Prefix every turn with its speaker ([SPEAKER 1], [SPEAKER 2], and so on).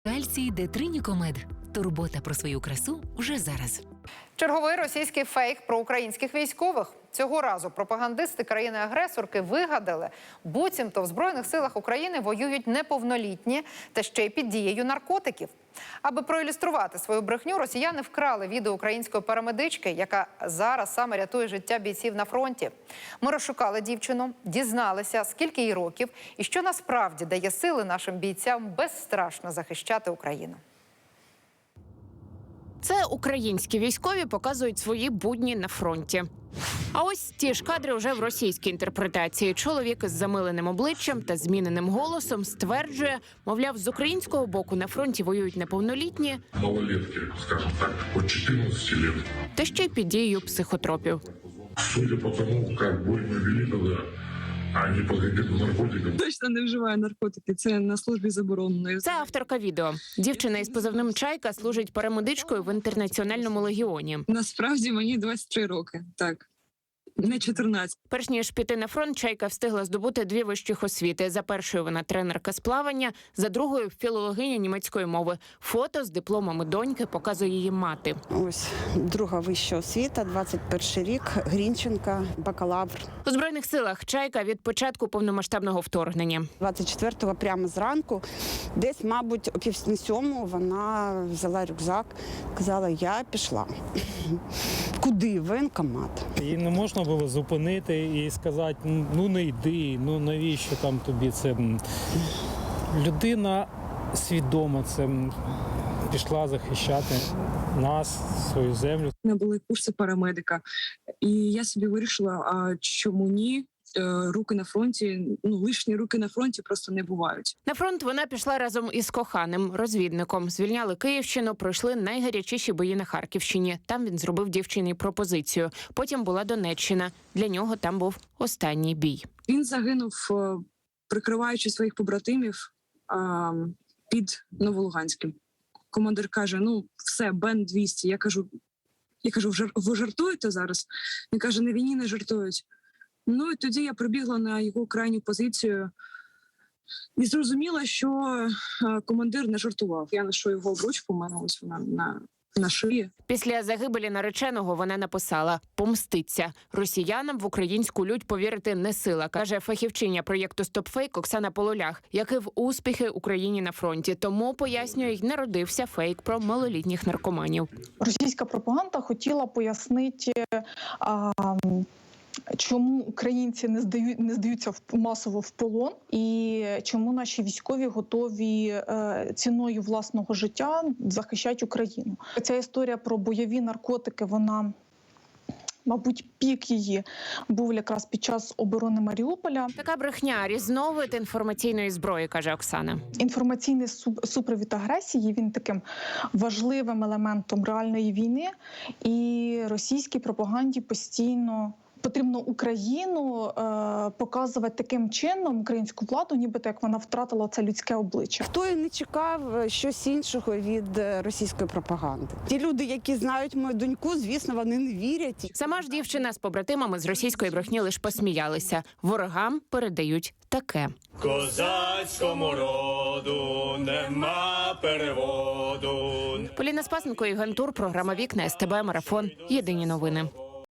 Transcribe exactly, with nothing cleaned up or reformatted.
[SPEAKER 1] Кальцій Детринікомед. Турбота про свою красу вже зараз.
[SPEAKER 2] Черговий російський фейк про українських військових. Цього разу пропагандисти країни-агресорки вигадали, буцімто в Збройних силах України воюють неповнолітні та ще й під дією наркотиків. Аби проілюструвати свою брехню, росіяни вкрали відео української парамедички, яка зараз саме рятує життя бійців на фронті. Ми розшукали дівчину, дізналися, скільки їй років і що насправді дає сили нашим бійцям безстрашно захищати Україну.
[SPEAKER 3] Це українські військові показують свої будні на фронті. А ось ті ж кадри вже в російській інтерпретації. Чоловік із замиленим обличчям та зміненим голосом стверджує, мовляв, з українського боку на фронті воюють неповнолітні,
[SPEAKER 4] малолетки, скажімо так, от чотирнадцяти років.
[SPEAKER 3] Та ще й під дією психотропів.
[SPEAKER 4] Судя по тому, як бой ми вели тоді, а не під впливом наркотиків.
[SPEAKER 5] Точно не вживає наркотики, це на службі заборонено.
[SPEAKER 3] Це авторка відео. Дівчина із позивним «Чайка» служить парамедичкою в Інтернаціональному легіоні.
[SPEAKER 5] Насправді мені двадцять три роки, так. Не чотирнадцять.
[SPEAKER 3] Перш ніж піти на фронт, Чайка встигла здобути дві вищих освіти. За першою вона тренерка з плавання, за другою – філологиня німецької мови. Фото з дипломами доньки показує її мати.
[SPEAKER 6] Ось друга вища освіта, двадцять перший рік, Грінченка, бакалавр.
[SPEAKER 3] У Збройних силах Чайка від початку повномасштабного вторгнення.
[SPEAKER 6] двадцять четвертого прямо зранку, десь, мабуть, о пів на сьому вона взяла рюкзак, казала, я пішла. Куди? В воєнкомат.
[SPEAKER 7] Її не можна було зупинити і сказати, ну не йди, ну навіщо там тобі це. Людина свідомо це пішла захищати нас, свою землю.
[SPEAKER 5] У мене були курси парамедика, і я собі вирішила, а чому ні? Руки на фронті, ну, лишні руки на фронті просто не бувають.
[SPEAKER 3] На фронт вона пішла разом із коханим, розвідником. Звільняли Київщину, пройшли найгарячіші бої на Харківщині. Там він зробив дівчині пропозицію. Потім була Донеччина. Для нього там був останній бій.
[SPEAKER 5] Він загинув, прикриваючи своїх побратимів під Новолуганським. Командир каже, ну, все, Бен двісті. Я кажу, я кажу, ви жартуєте зараз? Він каже, на війні не жартують. Ну і тоді я прибігла на його крайню позицію і зрозуміла, що командир не жартував. Я ношу його обручку, у мене ось вона на, на шиї.
[SPEAKER 3] Після загибелі нареченого вона написала «Помститься». Росіянам в українську лють повірити не сила, каже фахівчиня проєкту «Стопфейк» Оксана Полулях, який в успіхи Україні на фронті. Тому, пояснює, й народився фейк про малолітніх наркоманів.
[SPEAKER 8] Російська пропаганда хотіла пояснити, а, чому українці не здають не здаються в масово в полон, і чому наші військові готові е, ціною власного життя захищати Україну. Ця історія про бойові наркотики, вона, мабуть, пік її був якраз під час оборони Маріуполя.
[SPEAKER 3] Така брехня – різновид інформаційної зброї, каже Оксана.
[SPEAKER 8] Інформаційний супровід агресії, він таким важливим елементом реальної війни, і російській пропаганді постійно потрібно Україну е, показувати таким чином, українську владу, нібито як вона втратила це людське обличчя.
[SPEAKER 6] Хто і не чекав щось іншого від російської пропаганди. Ті люди, які знають мою доньку, звісно, вони не вірять.
[SPEAKER 3] Сама ж дівчина з побратимами з російської брехні лише посміялися. Ворогам передають таке.
[SPEAKER 9] Козацькому роду нема переводу.
[SPEAKER 3] Поліна Спасенко, Ігор Тур, програма «Вікна», ес те бе, Марафон. Єдині новини.